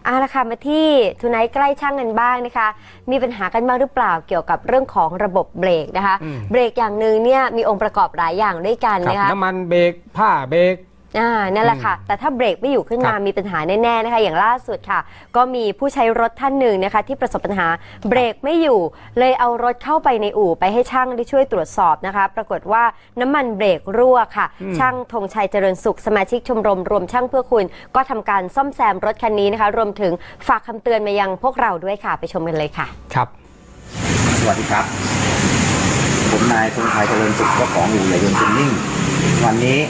ละค่ะมาที่ทูไนท์ใกล้ช่างกันบ้างนะคะมีปัญหากันบ้างหรือเปล่าเกี่ยวกับเรื่องของระบบเบรกนะคะเบรกอย่างหนึ่งเนี่ยมีองค์ประกอบหลายอย่างด้วยกันนะคะน้ำมันเบรกผ้าเบรกนั่นแหละค่ะแต่ถ้าเบรกไม่อยู่ขึ้นมามีปัญหาแน่ๆนะคะอย่างล่าสุดค่ะก็มีผู้ใช้รถท่านหนึ่งนะคะที่ประสบปัญหาเบรกไม่อยู่เลยเอารถเข้าไปในอู่ไปให้ช่างได้ช่วยตรวจสอบนะคะปรากฏว่าน้ำมันเบรกรั่วค่ะช่างธงชัยเจริญสุขสมาชิกชมรมรวมช่างเพื่อคุณก็ทำการซ่อมแซมรถคันนี้นะคะรวมถึงฝากคำเตือนมายังพวกเราด้วยค่ะไปชมกันเลยค่ะครับสวัสดีครับผมนายธงชัยเจริญสุขเจ้าของอู่ใหญ่ยนต์จูนนิ่งวันนี้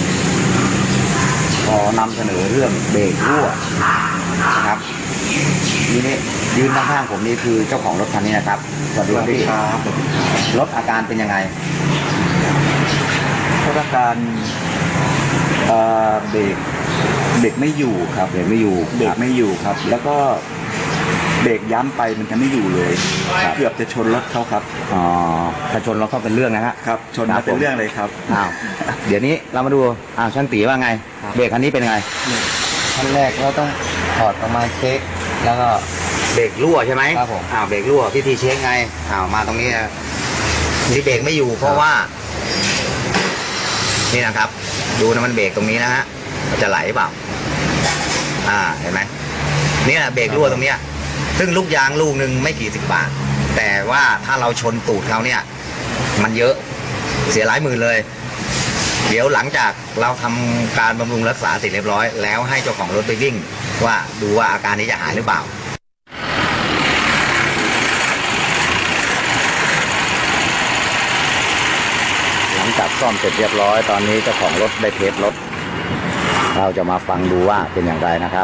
ขอนำเสนอเรื่องเบรกรั่วนะครับนี่ยืนข้างๆผมนี่คือเจ้าของรถคันนี้นะครับสวัสดีครับรถอาการเป็นยังไงรถอาการเบรกไม่อยู่ครับเบรกไม่อยู่ครับแล้วก็เบรกย้ำไปมันจะไม่อยู่เลยเกือบจะชนรถเขาครับถ้าชนรถเขาเป็นเรื่องนะฮะครับชนมาเป็นเรื่องเลยครับเดี๋ยวนี้เรามาดูช่างตีว่าไงเบรกคันนี้เป็นไงขั้นแรกเราต้องถอดออกมาเช็คแล้วก็เบรกรั่วใช่ไหมครับผมเบรกรั่ววิธีเช็คไงมาตรงนี้ที่เบรกไม่อยู่เพราะว่านี่นะครับดูนะมันเบรกตรงนี้นะฮะจะไหลเปล่าเห็นไหมนี่แหละเบรกรั่วตรงเนี้ยซึ่งลูกยางลูกหนึ่งไม่กี่10 บาทแต่ว่าถ้าเราชนตูดเขาเนี่ยมันเยอะเสียหลายหมื่นเลยเดี๋ยวหลังจากเราทำการบำรุงรักษาเสร็จเรียบร้อยแล้วให้เจ้าของรถไปวิ่งว่าดูว่าอาการนี้จะหายหรือเปล่าหลังจากซ่อมเสร็จเรียบร้อยตอนนี้เจ้าของรถได้เทสรถเราจะมาฟังดูว่าเป็นอย่างไรนะครับ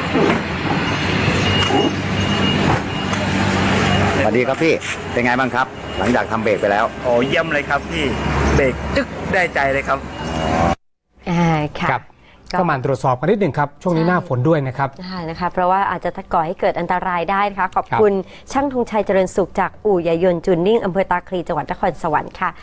สวัสดีครับพี่เป็นไงบ้างครับหลังจากทำเบรกไปแล้วเยี่ยมเลยครับพี่เบรกจึ๊กได้ใจเลยครับค่ะก็มาตรวจสอบกันนิดหนึ่งครับช่วงนี้หน้าฝนด้วยนะครับนะคะเพราะว่าอาจจะก่อให้เกิดอันตรายได้นะคะขอบคุณช่างธงชัยเจริญสุขจากอู่ใหญ่ยนต์จูนนิ่งอำเภอตาคลีจังหวัดนครสวรรค์ค่ะ